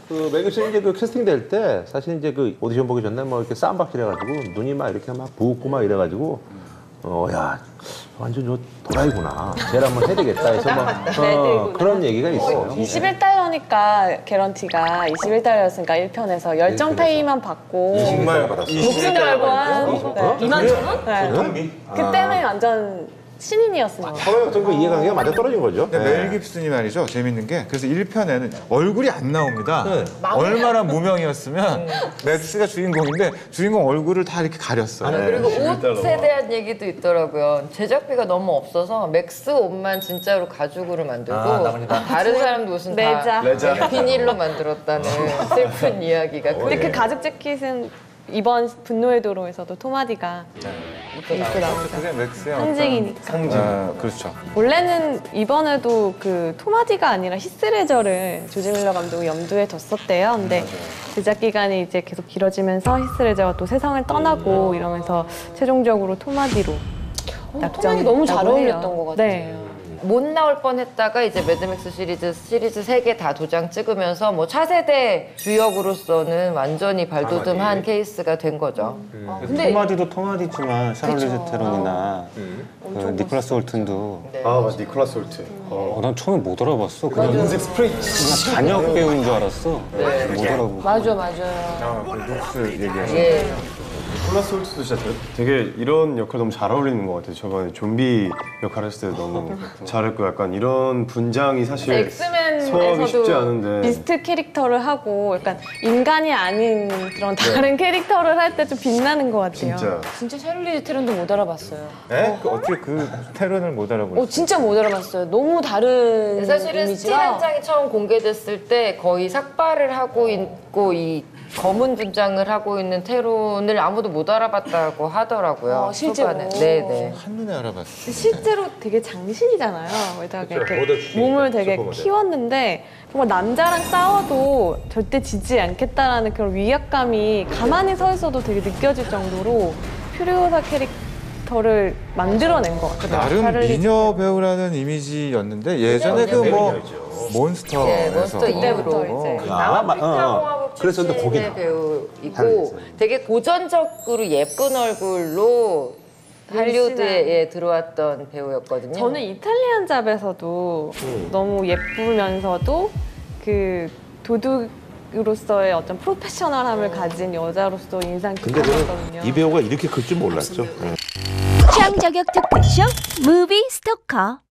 그 매교씨 이제 그 캐스팅 될 때 사실 이제 그 오디션 보기 전에 뭐 이렇게 쌈박질 해가지고 눈이 막 이렇게 막 부었고 막 이래가지고 야 완전 저 도라이구나. 쟤를 한번 해야 되겠다 해서 뭐 그런 얘기가 있어요. 21달러니까 개런티가 21달러였으니까 1편에서 열정 페이만 받고 정말 받았어요. 목숨 걸고 한 2만 1,000원? 네. 그때는 완전 신인이었습니다. 서로의 어떤 그 이해관계가 맞아 떨어진 거죠. 근데 멜 깁슨이 말이죠. 재밌는 게 그래서 1편에는 얼굴이 안 나옵니다. 얼마나 무명이었으면 맥스가 주인공인데 주인공 얼굴을 다 이렇게 가렸어요. 그리고 옷에 대한 얘기도 있더라고요. 제작비가 너무 없어서 맥스 옷만 진짜로 가죽으로 만들고 다른 사람들 옷은 다 비닐로 만들었다는 슬픈 이야기가. 근데 그 가죽 재킷은 이번 분노의 도로에서도 토마디가 입고 나옵니다. 그게 맥스의 상징이니까. 상징. 그렇죠. 원래는 이번에도 그 토마디가 아니라 히스레저를 조지 밀러 감독이 염두에 뒀었대요. 근데 제작 기간이 이제 계속 길어지면서 히스레저가 또 세상을 떠나고 이러면서 최종적으로 토마디로 토마디 너무 잘 어울렸던 것 같아요. 네. 못 나올 뻔했다가 이제 매드맥스 시리즈 3개 다 도장 찍으면서 뭐 차세대 주역으로서는 완전히 발돋움한 케이스가 된 거죠. 근데 토마디도 토마디지만 샤를리즈 테론이나 그 니콜라스 홀튼도 아 맞아 니콜라스 홀트. 난 처음에 못 알아봤어. 그냥 인색 스프레이. 단역 배우인 줄 알았어. 못 알아보고. 맞아요. 그 룩스 얘기하시는 예. 니콜라스 홀트도 진짜 되게 이런 역할 너무 잘 어울리는 것 같아요. 저번에 좀비 역할 했을 때 너무 잘했고 약간 이런 분장이 사실 소화하기 쉽지 엑스맨에서도 않은데 비스트 캐릭터를 하고 약간 인간이 아닌 그런 다른 캐릭터를 할 때 좀 빛나는 것 같아요. 진짜 샤를리즈 테론도 못 알아봤어요. 네? 어떻게 그 테론을 못 알아보셨어요? 진짜 못 알아봤어요. 너무 다른 사실은 스틸 한 이미지가. 장이 처음 공개됐을 때 거의 삭발을 하고 있고 이 검은 분장을 하고 있는 테론을 아무도 못 알아봤다고 하더라고요. 실제로? 초반에. 네네. 한눈에 알아봤어요. 실제로 되게 장신이잖아요. 거기다가 그쵸, 이렇게 모델 출신이니까, 몸을 되게 슈퍼모델. 키웠는데 정말 남자랑 싸워도 절대 지지 않겠다라는 그런 위압감이 가만히 서 있어도 되게 느껴질 정도로 퓨리오사 캐릭터를 만들어낸 것 같아요. 나름 샤를리즈 미녀 배우라는 이미지였는데 예전에 그 뭐 몬스터에서 네, 몬스터 이후로 이제. 남아프리카공화국 그랬었는데 거기 출신의 배우이고 되게 고전적으로 예쁜 얼굴로 할리우드에 들어왔던 배우였거든요. 저는 이탈리안 잡에서도 너무 예쁘면서도 그 도둑으로서의 어떤 프로페셔널함을 가진 여자로서 인상 근데 깊었거든요. 저는 이 배우가 이렇게 클 줄 몰랐죠. 취향 저격 토크쇼 무비 스토커